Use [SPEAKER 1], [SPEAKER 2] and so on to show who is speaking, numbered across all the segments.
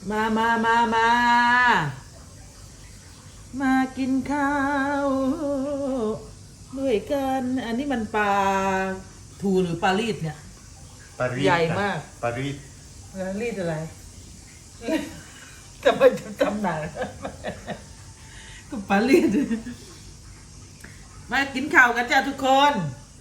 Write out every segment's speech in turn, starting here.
[SPEAKER 1] มามากินข้าวด้วยกันอันนี้มันปลาทูหรือปลาลีดเนี่ย
[SPEAKER 2] ปารีส
[SPEAKER 1] ใหญ่มาก
[SPEAKER 2] ปารีส
[SPEAKER 1] ปลาลีดอะไรทำไมจะจำหนักก็ปลาลีดมากินข้าวกันจ้าทุกคน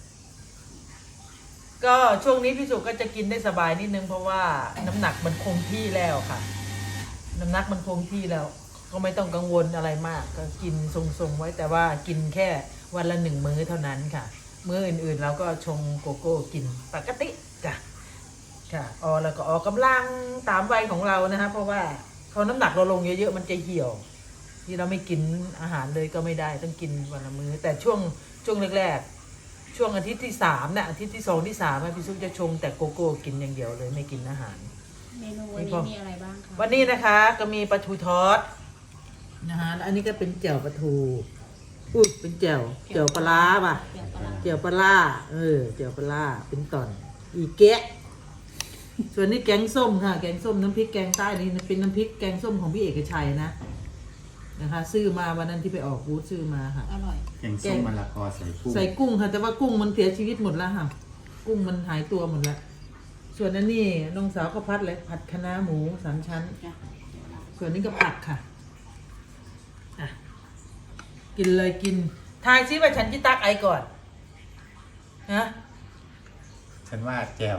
[SPEAKER 1] ก็ช่วงนี้พี่สุก็จะกินได้สบายนิดนึงเพราะว่าน้ำหนักมันคงที่แล้วค่ะน้ำหนักมันคงที่แล้วก็ไม่ต้องกังวลอะไรมากก็กินทรงๆไว้แต่ว่ากินแค่วันละ1 มื้อเท่านั้นค่ะมื้ออื่นๆเราก็ชงโกโก้กินปกติจ้ะค่ะแล้วก็ออกกำลังตามวัยของเรานะคะเพราะว่าพอน้ำหนักเราลงเยอะๆมันจะเหี่ยวที่เราไม่กินอาหารเลยก็ไม่ได้ต้องกินวันละมื้อแต่ช่วงแรกๆช่วงอาทิตย์ที่3เนี่ยอาทิตย์ที่2ที่3พี่ซุปจะชงแต่โกโก้กินอย่างเดียวเลยไม่กินอาหาร
[SPEAKER 3] เมนูวันนี้มีอะไรบ้างคะ
[SPEAKER 1] วันนี้นะคะก็มีปลาทูทอดนะคะแล้วอันนี้ก็เป็นแจ่วปลาทูเป็นแจ่วปลาร้าป่ะแจ่วปลาร้าแจ่วปลาร้าเป็นตอนอีแกะส่วนนี้แกงส้มค่ะแกงส้มน้ำพริกแกงใต้นี่เป็นน้ำพริกแกงส้มของพี่เอกชัยนะคะซื้อมาวันนั้นที่ไปออกบูธซื้อมาค่ะ
[SPEAKER 3] อร่อย
[SPEAKER 2] แกงส้มมะละกอใส่กุ้ง
[SPEAKER 1] ใส่กุ้งค่ะแต่ว่ากุ้งมันเสียชีวิตหมดแล้วค่ะกุ้งมันหายตัวหมดแล้วส่วนนั้นนี่น้องสาวก็ผัดเลยผัดคะน้าหมู3 ชั้นส่วนนี้ก็ผักค่ะอ่ะกินเลยกินทายซิว่าฉันที่ตักไอก่อนฮะ
[SPEAKER 2] ฉันว่าแจว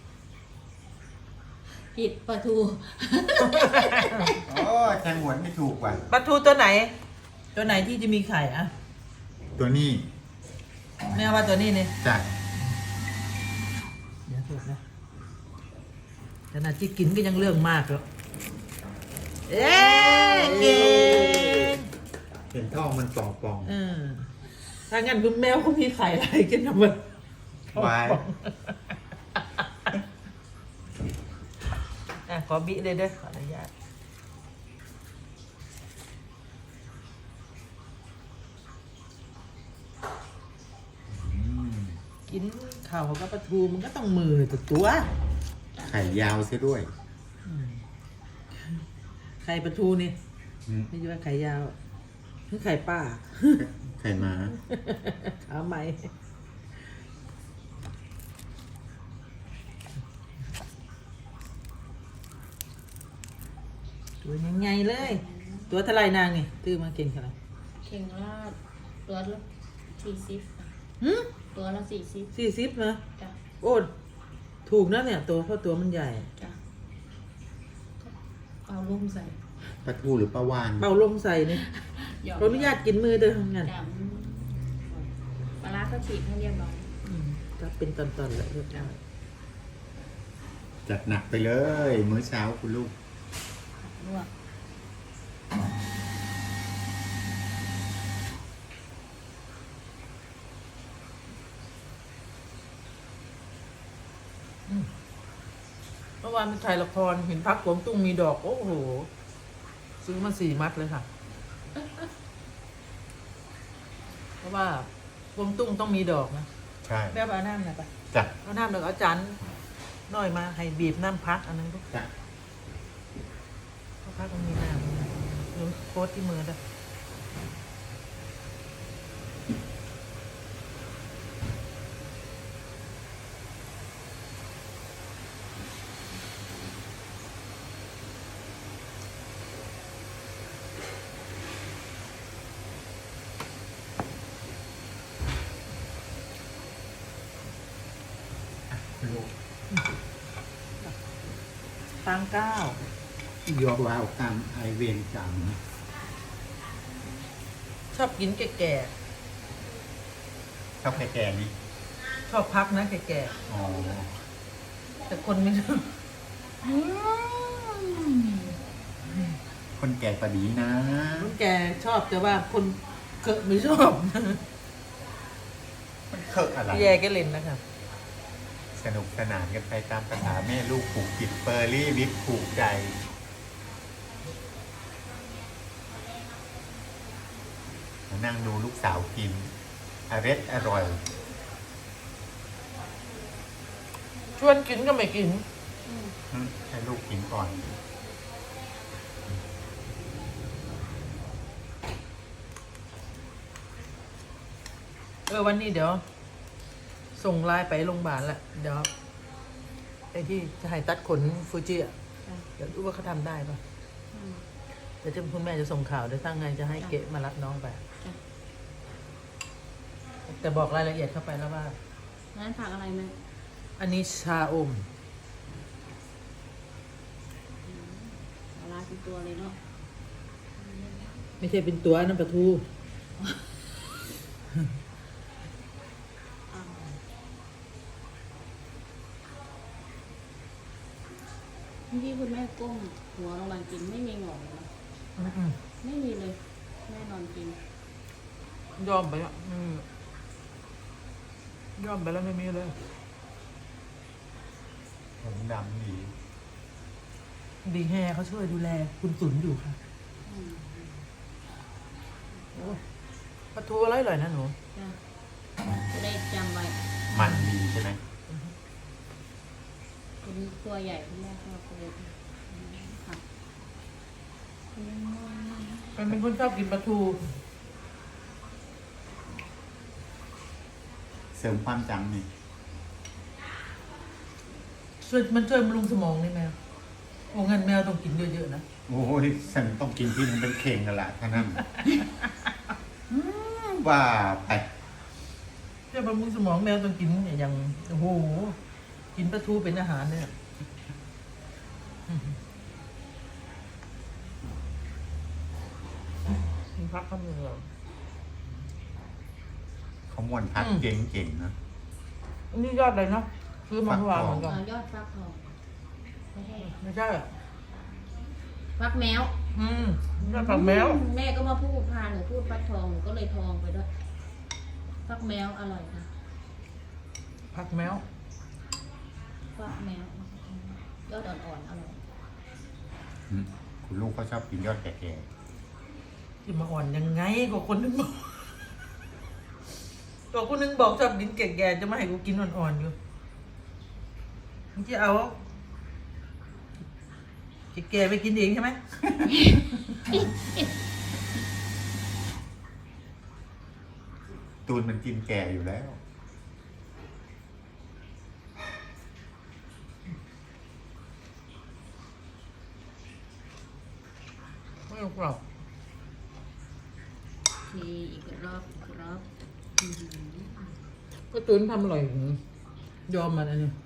[SPEAKER 3] ผิดปลาทู
[SPEAKER 2] โอ้แทงหวนไม่ถูกว่ะ
[SPEAKER 1] ปลาทูตัวไหนที่จะมีไข่อะ
[SPEAKER 2] ตัวนี้
[SPEAKER 1] แม่ว่าตัวนี้เนี่ย
[SPEAKER 2] จ้ะ
[SPEAKER 1] เดี๋ยวถูกนะขนาดที่กินก็ยังเรื่องมากแล้วเอ๊ะเก่ง
[SPEAKER 2] เห็นท้องมันป่อง
[SPEAKER 1] ถ้างั้นคุณแมวเขามีไข่อะไรกินทำไม
[SPEAKER 2] ๆวาย
[SPEAKER 1] ขอบิเลยเด้อขออนุญาตกินข้าวกับปลาทูมันก็ต้องมือตัว
[SPEAKER 2] ไข่ยาวซะด้วย
[SPEAKER 1] ไข่ปลาทูนี่
[SPEAKER 2] อืม
[SPEAKER 1] ไม่ใช่ว่าไข่ยาวคือไข่ป้า
[SPEAKER 2] ไข่ม้า
[SPEAKER 1] ขาไหมตัวยังไงเลย ตัวเท่าไรนางนี่ตื้อมาเก่งขนาด
[SPEAKER 3] เข่งราดตัวละ40
[SPEAKER 1] หืม
[SPEAKER 3] ตัวละ40
[SPEAKER 1] 40นะ
[SPEAKER 3] จ้ะ
[SPEAKER 1] โอ้ถูกนะเนี่ยตัวเพราะตัวมันใหญ่
[SPEAKER 3] จ้ะเอาลุ่มใส่
[SPEAKER 2] ปลาทูหรือปลาวาน
[SPEAKER 1] เป่าลมใส่นี่ขออนุญาตกินมือเด้อทำงาน
[SPEAKER 3] จ้ะปลาร้าก็ฉีกให้เรียบร้อย
[SPEAKER 1] ก็เป็นตอนๆเลยเรียบร้อย
[SPEAKER 2] จัดหนักไปเลย มื้อเช้าคุณลูก
[SPEAKER 3] ลวก
[SPEAKER 1] เมื่อวานไปถ่ายละครเห็นพักหลวงตุ้งมีดอกโอ้โหซื้อมา4 มัดเลยค่ะ เพราะว่าหลวงตุ้งต้องมีดอกนะ
[SPEAKER 2] ใช่
[SPEAKER 1] แม่เอาน้ำหน่อยปะ
[SPEAKER 2] จ้ะ
[SPEAKER 1] เอาน้ำหน่อยเอาจานน้อยมาให้บีบน้ำพักอันนั้นลูก
[SPEAKER 2] จ้ะ
[SPEAKER 1] เพราะพักมันมีน้ำหรือโค้ดที่มือด้วย
[SPEAKER 2] คุณลูก
[SPEAKER 1] ตังเก้าย
[SPEAKER 2] กว่าตามไอเวียนกรรมนะ
[SPEAKER 1] ชอบกินแก่
[SPEAKER 2] ชอบแก่ๆนี่
[SPEAKER 1] ๆชอบพักนะแก่
[SPEAKER 2] อ๋อ
[SPEAKER 1] ๆแต่คนไม่ชอบ
[SPEAKER 2] คนแก่กว่าดีนะ
[SPEAKER 1] คนแก่ชอบแต่ว่าคนเกอะไม่ชอบ
[SPEAKER 2] มันเคิกอะไร
[SPEAKER 1] พี่แย่ก็เล่นนะครับ
[SPEAKER 2] สนุกสนานกันไปตามภาษาแม่ลูกผูกจิตเฟอร์รี่วิปผูกใจมานั่งดูลูกสาวกินอร่อย
[SPEAKER 1] ชวนกินก็ไม่กิน
[SPEAKER 2] ให้ลูกกินก่อน
[SPEAKER 1] วันนี้เดี๋ยว ส่งไลน์ไปโรงพยาบาลแหละเดี๋ยวไอ้ที่จะให้ตัดขนฟูจิอ่ะ
[SPEAKER 3] จ้ะ
[SPEAKER 1] เดี๋ยวดูว่าเขาทำได้ปะ
[SPEAKER 3] อืม
[SPEAKER 1] เดี๋ยวคุณแม่จะส่งข่าวเดี๋ยวตั้งไงจะให้เกะมารับน้องไป
[SPEAKER 3] จ้ะ
[SPEAKER 1] แต่บอกรายละเอียดเข้าไปแล้วว่า
[SPEAKER 3] งั้นผักอะไรไหม
[SPEAKER 1] อันนี้ชาอม
[SPEAKER 3] ปลาร้าเป็นตัวเลยเนาะ
[SPEAKER 1] ไม่ใช่เป็นตัวน้ำปลาทู
[SPEAKER 3] อ่าที่คุณแม่ก้มหัวลงมากินไม่มีหงอกเลยนะ
[SPEAKER 1] อืม
[SPEAKER 3] ไม่มีเลยแม่นอนกิน
[SPEAKER 1] ยอมไปอ่ะยอมไปแล้วไม่มีเลย
[SPEAKER 2] ผมดำดี
[SPEAKER 1] ดีแฮเขาช่วยดูแลคุณตุนอยู่ค่ะ
[SPEAKER 3] อืม
[SPEAKER 1] โอ้ปลาทูอร่อยๆนะหนู
[SPEAKER 3] จ้ะจะได้จำไว้
[SPEAKER 2] มันดีใช่ไหม
[SPEAKER 3] คุณตัวใหญ่คุณแม่ชอบเลยค่ะ
[SPEAKER 1] มันเป็นคนชอบกินปลาทู
[SPEAKER 2] เสริมความจำนี่
[SPEAKER 1] มันช่วยบำรุงสมองนี่แมวโอ้งั้นแมวต้องกินเยอะๆนะ
[SPEAKER 2] โอ้ยฉันต้องกินที่นึงเป็นเข่งกันละท่านั้นว่าไป
[SPEAKER 1] ช่วยบำรุงสมองแมวต้องกินอย่างโอ้โหกินปลาทูเป็นอาหารเนี่ยมีพักข้าวเหนียว
[SPEAKER 2] เขามวนพัดเก่งๆนะ
[SPEAKER 1] อันนี้ยอดเลยเนาะซื้อมาเมื่อวานเหมือนกัน
[SPEAKER 3] ยอดฟักทองไม่ใช่
[SPEAKER 1] ไม่ใช่อะ
[SPEAKER 3] ฟักแมว
[SPEAKER 1] ยอดผักแมว
[SPEAKER 3] แม่ก็มาพูดพาหนูพูดฟักทองหนูก็เลยทองไปด้วยฟักแมวอร่อยค่ะ
[SPEAKER 1] ผักแมว
[SPEAKER 3] ฟักแมวยอดอ่อนๆอร่อย
[SPEAKER 2] อืมคุณลูกเขาชอบกินยอดแก่
[SPEAKER 1] จะมาอ่อนยังไงกว่าคนนึงบอกกว่าคนนึงบอกชอบกินแก่ๆจะมาให้กูกินอ่อนๆอยู่มึงจะเอาแก่ๆไปกินเองใช่ไหม
[SPEAKER 2] ๆตูนมันกินแก่อยู่แล้ว
[SPEAKER 1] ไม่เอากรอบ
[SPEAKER 3] ทีอีกรอบอื้อหือ
[SPEAKER 1] ก็ตุนทำอร่อยยอมมันอันนี้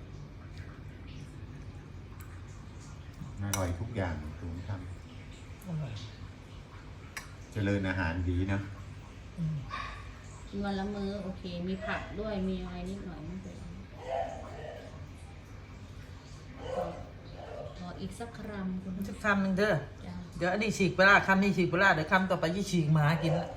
[SPEAKER 2] อร่อยทุกอย่างตูนท
[SPEAKER 1] อร่อย
[SPEAKER 2] ำเจริญอาหารดีนะ
[SPEAKER 3] กินวันละมื้อโอเค มีผักด้วยมีอะไรนิดหน่อยไม่เป็นไรขออีกสักคำคุณ
[SPEAKER 1] จะคำหนึ่งเด้อ
[SPEAKER 3] จ้า
[SPEAKER 1] เดี๋ยวอันนี้ฉีกปลาร้าคำนี้ฉีกปลาร้าเดี๋ยวคำต่อไปยี่ฉีกหมากินละ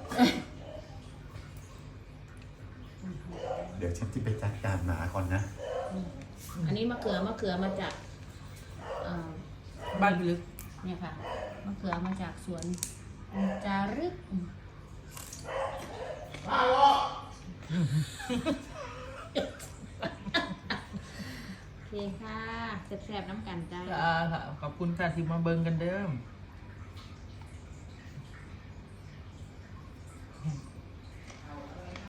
[SPEAKER 2] เดี๋ยวฉันจะไปจัดการหมาก่อนนะ
[SPEAKER 3] อันนี้มะเขือมาจากเอ่อ
[SPEAKER 1] บ้านพี่ลึก
[SPEAKER 3] เนี่ยค่ะมะเขือมาจากสวนจารึกโอเคค่ะแซ่บๆน้ำกันจ้า
[SPEAKER 1] ค่ะขอบคุณค่ะที่มาเบิ่งกันเด้อ